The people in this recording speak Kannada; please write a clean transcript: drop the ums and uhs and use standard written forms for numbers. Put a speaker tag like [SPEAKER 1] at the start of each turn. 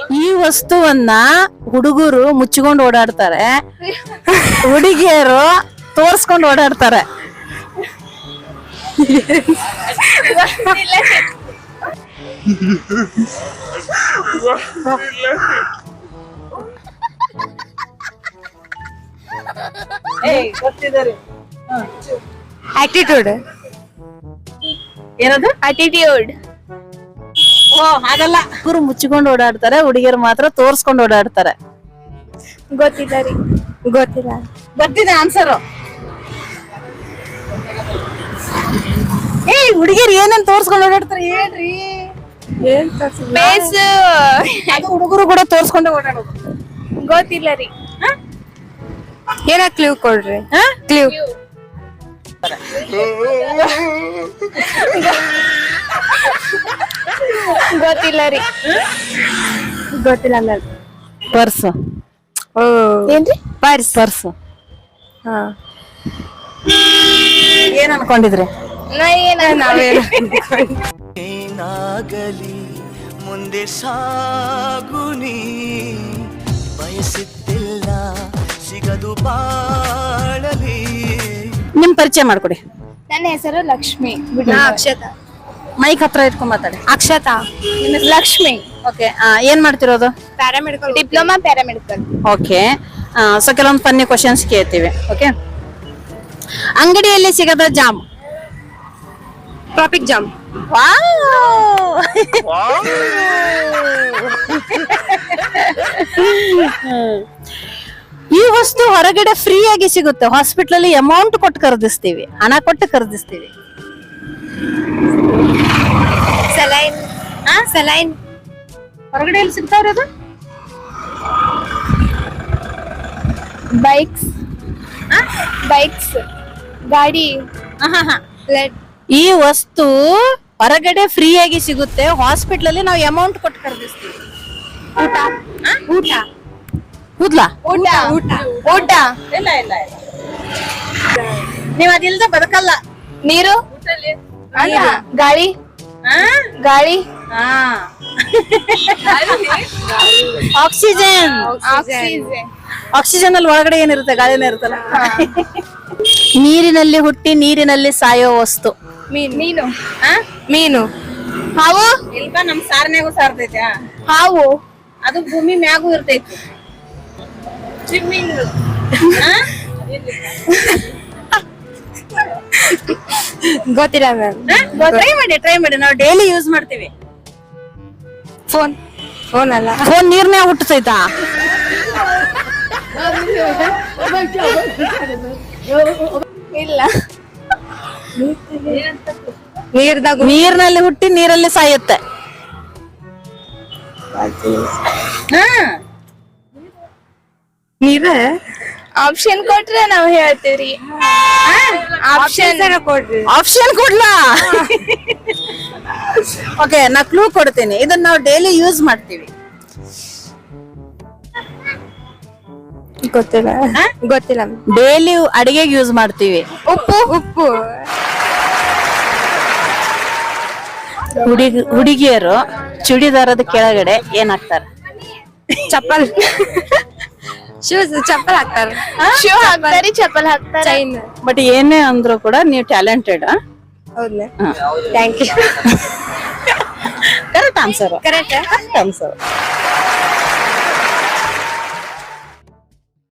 [SPEAKER 1] ಈ ವಸ್ತುವನ್ನ ಹುಡುಗರು ಮುಚ್ಚಿಕೊಂಡು ಓಡಾಡ್ತಾರೆ, ಹುಡುಗಿಯರು ತೋರ್ಸ್ಕೊಂಡು ಓಡಾಡ್ತಾರೆ.
[SPEAKER 2] ಆಟಿಟ್ಯೂಡ್.
[SPEAKER 1] ಏನದು?
[SPEAKER 2] ಆಟಿಟ್ಯೂಡ್.
[SPEAKER 1] ಓ ಹಾಗಲ್ಲ, ಹುಡುಗರು ಮುಚ್ಚಿಕೊಂಡು ಓಡಾಡ್ತಾರೆ, ಹುಡುಗಿಯರು ಮಾತ್ರ ತೋರ್ಸ್ಕೊಂಡು ಓಡಾಡ್ತಾರೆ.
[SPEAKER 2] ಗೊತ್ತಿಲ್ಲ ರೀ. ಗೊತ್ತಿಲ್ಲ.
[SPEAKER 1] ಬರ್ತಿದೆ ಆನ್ಸರು. ಹುಡುಗಿಯರು ಏನೇನ್ ತೋರ್ಸ್ಕೊಂಡು ಓಡಾಡ್ತಾರೆ ಹೇಳ್ರಿ.
[SPEAKER 2] ಫೇಸ್.
[SPEAKER 1] ಅದು ಹುಡುಗರು ಕೂಡ ತೋರ್ಸ್ಕೊಂಡೆ ಓಡಾಡೋದು.
[SPEAKER 2] ಗೊತ್ತಿಲ್ಲ ರೀ. ಏನ ಕ್ಲೂ ಕೊಡ್ರಿ. ಕ್ಲೂ. ಗೊತ್ತಿಲ್ಲ ರೀ. ಗೊತ್ತಿಲ್ಲ ಅಂದ್ರೆ
[SPEAKER 1] ಪರ್ಸ್.
[SPEAKER 2] ಏನ್ರಿ? ಪರ್ಸ್.
[SPEAKER 1] ಪರ್ಸ್.
[SPEAKER 2] ಹಾ.
[SPEAKER 1] ಏನ್ ಅನ್ಕೊಂಡಿದ್ರಿ?
[SPEAKER 3] ಏನಾಗಲಿ ಮುಂದೆ ಸಾಗುನಿ, ಬಯಸುತ್ತಿಲ್ಲ ಸಿಗದು ಬಾಳಲಿ.
[SPEAKER 1] ನಿಮ್ ಪರಿಚಯ ಮಾಡ್ಕೊಡಿ.
[SPEAKER 2] ನನ್ನ ಹೆಸರು ಲಕ್ಷ್ಮಿ. ಅಕ್ಷತಾ.
[SPEAKER 1] ಮೈಕ್ ಹತ್ರ ಇಟ್ಕೊಂಡ್ ಮಾತಾಡಿ.
[SPEAKER 2] ಅಕ್ಷತಾ. ಲಕ್ಷ್ಮಿ.
[SPEAKER 1] ಓಕೆ, ಏನ್ ಮಾಡ್ತಿರೋದು?
[SPEAKER 2] Paramedical. Diploma paramedical.
[SPEAKER 1] Okay, so ಕೆಲವೊಂದು ಫನ್ನಿ ಕ್ವಶನ್ಸ್ ಕೇಳ್ತೀವಿ. ಓಕೆ, ಅಂಗಡಿಯಲ್ಲಿ ಸಿಗದ ಜಾಮ್.
[SPEAKER 2] Traffic jam.
[SPEAKER 1] ಈ ವಸ್ತು ಹೊರಗಡೆ ಫ್ರೀ ಆಗಿ ಸಿಗುತ್ತೆ, ಹಾಸ್ಪಿಟಲ್ ಅಲ್ಲಿ ಅಮೌಂಟ್ ಕೊಟ್ಟು ಖರೀದಿಸ್ತೀವಿ, ಹಣ ಕೊಟ್ಟು ಖರೀದಿಸ್ತೀವಿ.
[SPEAKER 2] ಸಲೈನ್. ಸಲೈನ್.
[SPEAKER 1] ಹೊರಗಡೆ ಎಲ್ಲಿ ಸಿಗ್ತಾವ್ರಿ ಅದು?
[SPEAKER 2] ಬೈಕ್ಸ್. ಬೈಕ್ಸ್. ಗಾಡಿ.
[SPEAKER 1] ಈ ವಸ್ತು ಹೊರಗಡೆ ಫ್ರೀ ಆಗಿ ಸಿಗುತ್ತೆ, ಹಾಸ್ಪಿಟಲ್ ಅಲ್ಲಿ ನಾವು ಅಮೌಂಟ್ ಕೊಟ್ಟು ಖರೀದಿಸ್ತೀವಿ.
[SPEAKER 2] ಊಟ. ಊಟ.
[SPEAKER 1] ಕೂದ್ಲಾ?
[SPEAKER 2] ಊಟ. ಊಟ. ಊಟ.
[SPEAKER 1] ಇಲ್ಲ ಇಲ್ಲ ಇಲ್ಲ, ನೀವ್ ಅದಿಲ್ದ ಬದುಕಲ್ಲ.
[SPEAKER 2] ನೀರು. ಗಾಳಿ. ಗಾಳಿ.
[SPEAKER 1] ಆಕ್ಸಿಜನ್. ಆಕ್ಸಿಜನ್ ಅಲ್ಲಿ ಒಳಗಡೆ ಏನಿರುತ್ತೆ? ಗಾಳಿನೇ ಇರುತ್ತಲ್ಲ. ನೀರಿನಲ್ಲಿ ಹುಟ್ಟಿ ನೀರಿನಲ್ಲಿ ಸಾಯೋ ವಸ್ತು.
[SPEAKER 2] ಮೀನು. ಮೀನು. ಹಾವು.
[SPEAKER 1] ಇಲ್ಪ ನಮ್ ಸಾರ್ನ್ಯಾಗೂ ಸಾರ್ತೈತೆ.
[SPEAKER 2] ಹಾವು.
[SPEAKER 1] ಅದು ಭೂಮಿ ಮ್ಯಾಗೂ ಇರ್ತೈತಿ.
[SPEAKER 2] ಗೊತ್ತಿಲ್ಲ ಮ್ಯಾಮ್.
[SPEAKER 1] ಟ್ರೈ ಮಾಡಿ, ನಾವು ಡೈಲಿ ಯೂಸ್ ಮಾಡ್ತೀವಿ.
[SPEAKER 2] ಫೋನ್. ಫೋನ್ ಅಲ್ಲ.
[SPEAKER 1] ಫೋನ್ ನೀರ್ನ್ಯಾಗ ಹುಟ್ಟತೈತಾ?
[SPEAKER 2] ಇಲ್ಲ. ನೀರ್ದಾಗ.
[SPEAKER 1] ನೀರಿನಲ್ಲಿ ಹುಟ್ಟಿ ನೀರಲ್ಲಿ ಸಾಯುತ್ತೆ.
[SPEAKER 2] ನೀರ. ಆಪ್ಷನ್ ಕೊಟ್ರೆ ನಾವ್ ಹೇಳ್ತೀವ್ರಿ. ಆಪ್ಷನ್ ಕೊಡ್ರಿ.
[SPEAKER 1] ಆಪ್ಷನ್ ಕೊಡ್ಲಾ? ಓಕೆ, ನಾ ಕ್ಲೂ ಕೊಡ್ತೀನಿ. ಇದನ್ನ ನಾವು ಡೈಲಿ ಯೂಸ್ ಮಾಡ್ತೀವಿ.
[SPEAKER 2] ಗೊತ್ತಿಲ್ಲ. ಗೊತ್ತಿಲ್ಲ.
[SPEAKER 1] ಡೈಲಿ ಅಡಿಗೆಗೆ ಯೂಸ್ ಮಾಡ್ತೀವಿ.
[SPEAKER 2] ಉಪ್ಪು. ಉಪ್ಪು.
[SPEAKER 1] ಹುಡುಗಿಯರು ಚೂಡಿದಾರದ ಕೆಳಗಡೆ ಏನ್ ಹಾಕ್ತಾರೆ?
[SPEAKER 2] ಚಪ್ಪಲ್. ಶೂಸ್. ಚಪ್ಪಲ್ ಹಾಕ್ತಾರೆ. ಶೂ ಹಾಕ್ತಾರೆ, ಚಪ್ಪಲ್ ಹಾಕ್ತಾರೆ. ಚೈನ್.
[SPEAKER 1] ಬಟ್ ಏನೇ ಅಂದ್ರೂ ಕೂಡ ನೀವು ಟ್ಯಾಲೆಂಟೆಡ್.
[SPEAKER 2] ಹೌದಾ? Thank you.
[SPEAKER 1] Correct answer.
[SPEAKER 2] Correct
[SPEAKER 1] answer.